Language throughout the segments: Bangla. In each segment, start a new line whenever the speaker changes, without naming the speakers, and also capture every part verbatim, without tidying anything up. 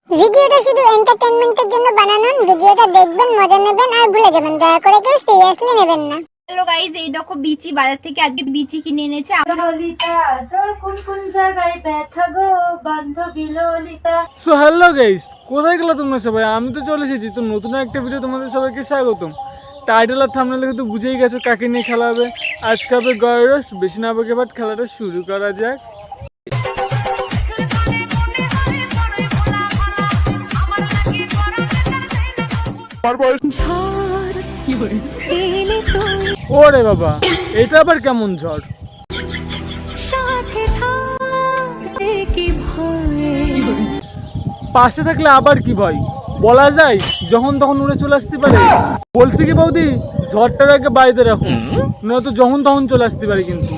ভিডিওটা শুধু এন্টারটেইনমেন্টের জন্য বানানো। ভিডিওটা দেখবেন, মজা নেবেন আর ভুলে যাবেন। দয়া করে কেউ সিরিয়াসলি নেবেন না।
হ্যালো গাইস, এই দেখো বিচি বাজার থেকে আজকে বিচি কিনে এনেছে।
ললিতা তোর কোন কোন জায়গায় ব্যথা গো বান্ধবী ললিতা।
সো হ্যালো গাইস, কোথায় গেলো তোমরা সবাই? আমি তো চলে এসেছি। তো নতুন একটা ভিডিও তোমাদের সবাইকে স্বাগতম। টাইটেল আর থাম্বনেল দেখে তো বুঝেই গেছো কাকে নিয়ে খেলা হবে। আজকে হবে গয়ের রোস্ট। বেশি না বকে বাট খেলাটা শুরু করা যাক। ওরে বাবা, এটা আবার কেমন ঝড়? পাশে থাকলে আবার কি ভয়? বলা যায় যখন তখন উড়ে চলে আসতে পারে। বলছি কি বৌদি, ঝড়টার আগে বাড়িতে রাখো, নয়তো যখন তখন চলে আসতে পারে কিন্তু।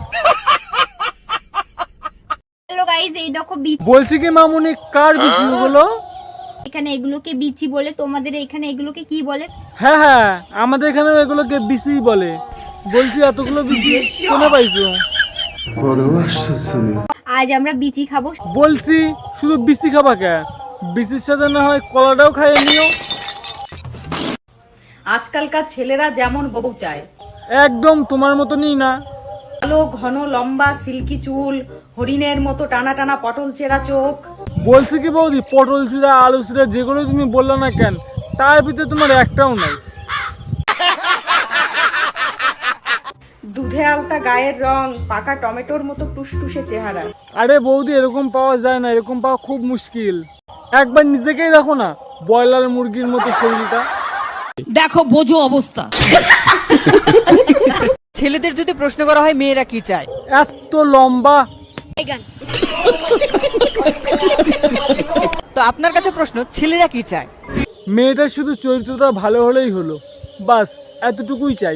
হ্যালো গাইস, এই দেখো বিচি।
বলছি কি মামুনি, কার বিচি গুলো?
এখানে এগুলোকে বিচি বলে, তোমাদের এখানে এগুলোকে কি বলে?
হ্যাঁ হ্যাঁ, আমাদের এখানে এগুলোকে বিচি বলে। বলছি এতগুলো বিচি কোনে পাইছো?
আজ আমরা বিচি খাবো।
বলছি শুধু বিচি খাবা কে? বিচির সাথে না হয় কলাটাও খাইয়ে নিও।
আজকালকার ছেলেরা যেমন বউ চায়,
একদম তোমার মতনই না।
কালো ঘন লম্বা সিল্কি চুল, হরিণের মতো টানা টানা পটল চেরা চোখ।
বলছি কি বৌদি, পটল চিরা আলু চিরা যেগুলো তুমি বললে না কেন, তার ভিতরে তোমার একটাও নাই।
দুধে আলতা গায়ের রং, পাকা টমেটোর মতো টুসটুসে চেহারা।
আরে বৌদি, এরকম পাওয়া যায় না, এরকম পাওয়া খুব মুশকিল। একবার নিজেকেই দেখো না, ব্রয়লার মুরগির মতো শরীরটা।
দেখো বোঝো অবস্থা। ছেলেদের যদি প্রশ্ন করা হয় মেয়েরা কি চায়,
এত লম্বা।
তো আপনার কাছে প্রশ্ন, ছেলেরা কি চায়?
মেয়েটার শুধু চরিত্রটা ভালো হলেই হলো, বাস এতটুকুই চাই।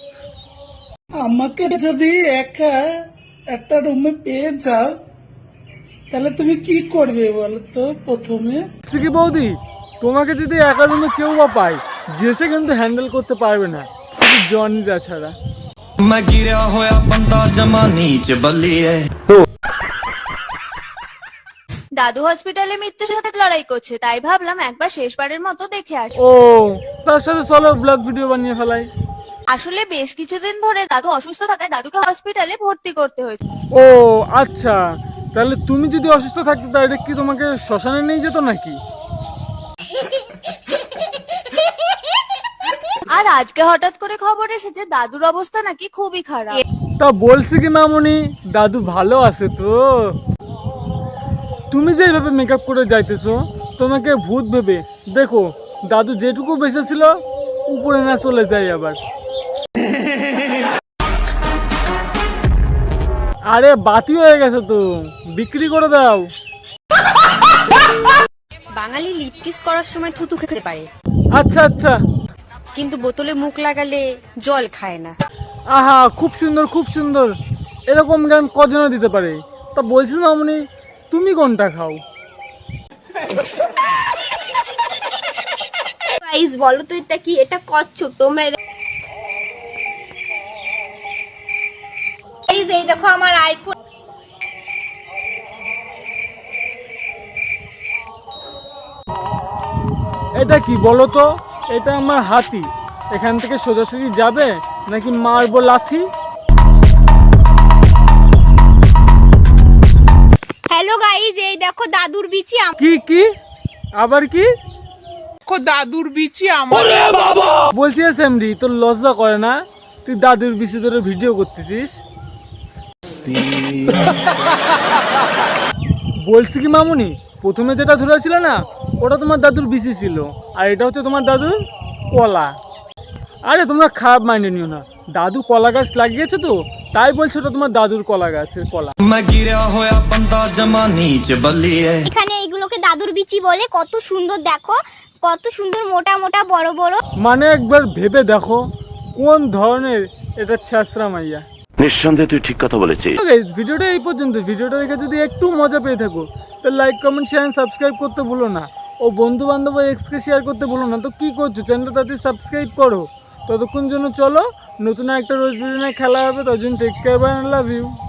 আমাকে যদি একা একটা রুমে পেয়ে যাও তাহলে তুমি কি করবে বলো তো? প্রথমে
বলছি কি বৌদি, তোমাকে যদি একা রুমে কেউ বা পায়, যে সে কিন্তু হ্যান্ডেল করতে পারবে না, শুধু জনিটা ছাড়া।
मैं गिरा होया बंदा जमा नीच बल्लिए।
দাদু হসপিটালে মৃত্যুর সাথে লড়াই করছে, তাই ভাবলাম একবার শেষবারের মতো দেখে আসি।
ও, তার সাথে চলো ব্লগ ভিডিও বানিয়ে ফেলাই।
আসলে বেশ কিছুদিন ধরে দাদু অসুস্থ থাকায় দাদুকে হসপিটালে ভর্তি করতে হয়েছে।
ও আচ্ছা, তাহলে তুমি যদি অসুস্থ থাকতে তাহলে কি তোমাকে শ্মশানে নিয়ে যেত নাকি?
আর আজকে হঠাৎ করে খবর এসেছে দাদুর অবস্থা নাকি খুবই খারাপ।
তা বলছি কি মামুনি, দাদু ভালো আছে তো? তুমি যে এইভাবে মেকআপ করে যাইতেছো, তোমাকে ভূত ভেবে দেখো, দাদু যেটুকু বেঁচে ছিল উপরে না চলে যায় আবার। আরে বাতি হয়ে গেছে তো, বিক্রি করে দাও।
বাঙালি লিপ কিস করার সময় থুতু খেতে পারে,
আচ্ছা আচ্ছা।
কিন্তু বোতলে মুখ লাগালে জল খায় না।
আহা, খুব সুন্দর খুব সুন্দর। এরকম গান কজনে দিতে পারে? তা বলছিলাম মামুনি, তুমি কোনটা খাও?
গাইস বলো তো এটা কি? এটা কচ্ছপ। তোমরা গাইস, এই দেখো আমার আইফোন।
এটা কি বলো তো? এটা আমার হাতি। এখান থেকে সোজাসুজি যাবে নাকি মারবো লাথি?
হ্যালো গাইস, এই দেখো দাদুর বিচি।
কি কি আবার কি?
দাদুর বিচি আমার।
বলছি এসএমডি, তোর লজ্জা করে না? তুই দাদুর বিচি ধরে ভিডিও করতেছিস। বলছি কি মামুনি, প্রথমে যেটা ধরেছিল না, ওটা তোমার দাদুর বিচি ছিল, আর এটা হচ্ছে তোমার দাদুর কলা। আরে তোমরা খারাপ মাইন্ডে নিও না, দাদু কলা গাছ লাগিয়েছে তো, তাই বলছো ওটা তোমার দাদুর কলা গাছের কলা।
मैं गिरा होया बंदा जमा नीच बल्लिए।
এখানে এগুলোকে দাদুর বিচি বলে। কত সুন্দর দেখো, কত সুন্দর মোটা মোটা বড় বড়।
মানে একবার ভেবে দেখো কোন ধরনের এটা ছেঁচড়া মাইয়া।
নিঃসন্দেহে তুই ঠিক কথা বলেছিস।
ভিডিওটা এই পর্যন্ত। ভিডিওটা দেখে যদি একটু মজা পেয়ে থাকো, তাহলে লাইক কমেন্ট শেয়ার সাবস্ক্রাইব করতে ভুলো না, ও বন্ধু বান্ধব এক্সকে শেয়ার করতে ভুলো না। তো কি করছো, চ্যানেলটা তাড়াতাড়ি সাবস্ক্রাইব করো। ততক্ষণ জন্য চলো নতুন একটা রোজ ভিডিও নিয়ে খেলা হবে। ততক্ষণ take care, bye, love you.